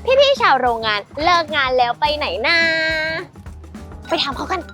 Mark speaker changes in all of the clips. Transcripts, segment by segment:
Speaker 1: พี่ๆชาวโรงงานเลิกงานแล้วไปไหนนะไปถามเขากัน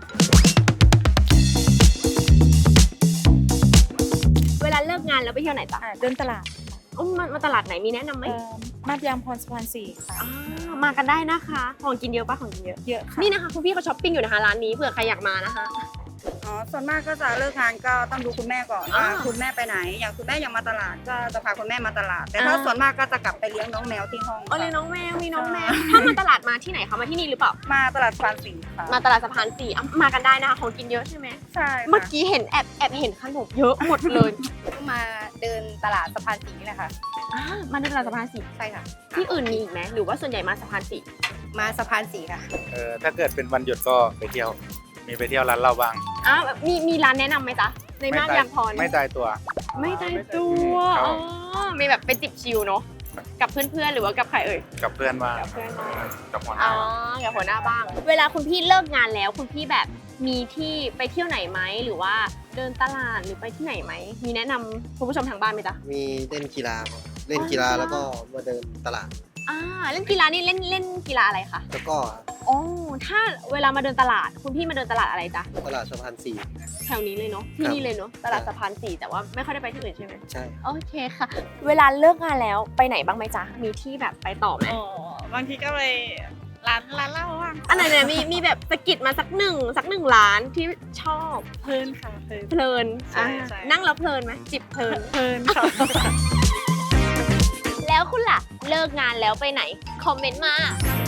Speaker 1: เวลาเลิกงานแล้วไปเที่ยวไหนจ๊ะ
Speaker 2: เดินตลาด
Speaker 1: มาตลาดไหนมีแนะนำไหม
Speaker 2: มาดยางพรสะพาน4ค่ะ
Speaker 1: มากันได้นะคะของกินเยอะปะของกินเยอะ
Speaker 2: เยอะค่ะ
Speaker 1: นี่นะคะคุณพี่เขาช้อปปิ้งอยู่นะคะร้านนี้เผื่อใครอยากมานะคะ
Speaker 3: อ๋อส่วนมากก็จะเลิกงานก็ต้องดูคุณแม่ก่อน
Speaker 1: อ่า
Speaker 3: ว่าคุณแม่ไปไหน อย่างคุณแม่ยังมาตลาดก็จะพาคุณแม่มาตลาด แต่ถ้าส่วนมากก็จะกลับไปเลี้ยงน้องแมวที่ห้อง
Speaker 1: อ๋อเลยน้องแมวมีน้องแมว
Speaker 3: ใช่
Speaker 1: ถ้ามาตลาดมาที่ไหนคะมาที่นี่หรือเปล่า
Speaker 3: มาตลาดสะพานสี่ค่ะ
Speaker 1: มาตลาดสะพาน4มากันได้นะคะของกินเยอะใช่ไหม
Speaker 3: ใช่
Speaker 1: เมื่อ
Speaker 3: ค่ะ
Speaker 1: กี้เห็นแอบเห็นขนมเยอะหมดเลย
Speaker 2: มาเดินตลาดสะพาน4นี่แหละค่ะ
Speaker 1: มาในตลาดสะพาน4
Speaker 2: ใช่ค่ะ
Speaker 1: ที่อื่นมีอีกไหมหรือว่าส่วนใหญ่มาสะพาน4
Speaker 2: มาสะพาน4ค่ะ
Speaker 4: ถ้าเกิดเป็นวันหยุดก็ไปเที่ยว มีไปเที่ยวร้านเหล้าบ้าง
Speaker 1: แบบมีร้านแนะนำไหมจ๊ะในมาดยางพร
Speaker 4: ไม่ตายตัว
Speaker 1: ไม่ตายตัว
Speaker 4: ครับ
Speaker 1: อ๋อมีแบบไปจิบชิลเนาะกับเพื่อนๆหรือว่ากับใครเอ่ย
Speaker 4: กับเพื่อนบ้าง
Speaker 1: กับเพื่อนบ้าง
Speaker 4: กับหัวห
Speaker 1: อ๋
Speaker 4: น้า
Speaker 1: อกับหัวหน้าบ้าง เวลาคุณพี่เลิกงานแล้วคุณพี่แบบมีที่ไปเที่ยวไหนไหมหรือว่าเดินตลาดหรือไปที่ไหนไหมมีแนะนำคุณผู้ชมทางบ้านไหมจ๊ะ
Speaker 5: มีเล่นกีฬาครับเล่นกีฬาแล้วก็มาเดินตลาด
Speaker 1: เล่นกีฬานี่เล่นกีฬาอะไรคะ
Speaker 5: แล้วก็
Speaker 1: อ๋อถ้าเวลามาเดินตลาดคุณพี่มาเดินตลาดอะไรจ๊ะ
Speaker 5: ตลาดสะพานสี่
Speaker 1: แถวนี้เลยเนาะที่
Speaker 5: ครับ
Speaker 1: นี่เลยเนาะตลาดสะพาน4แต่ว่าไม่ค่อยได้ไปที่อื่นใช่ไหม
Speaker 5: ใช่
Speaker 1: โอเคค่ะ เวลาเลิกงานแล้วไปไหนบ้างไหมจ๊ะมีที่แบบไปต่อไหม
Speaker 3: อ๋อบางทีก็ไปร้านเหล้าบ้าง
Speaker 1: อันไหนเนี่ยมีแบบสะกิดมาสักหนึ่งร้านที่ชอบ
Speaker 3: เพลินค่ะเพลิน
Speaker 1: เพลิน
Speaker 3: ใช่ใช่
Speaker 1: นั่งแล้วเพลินไหมจิบเพลิน
Speaker 3: เพลินค่ะ
Speaker 1: แล้วคุณล่ะเลิกงานแล้วไปไหนคอมเมนต์มา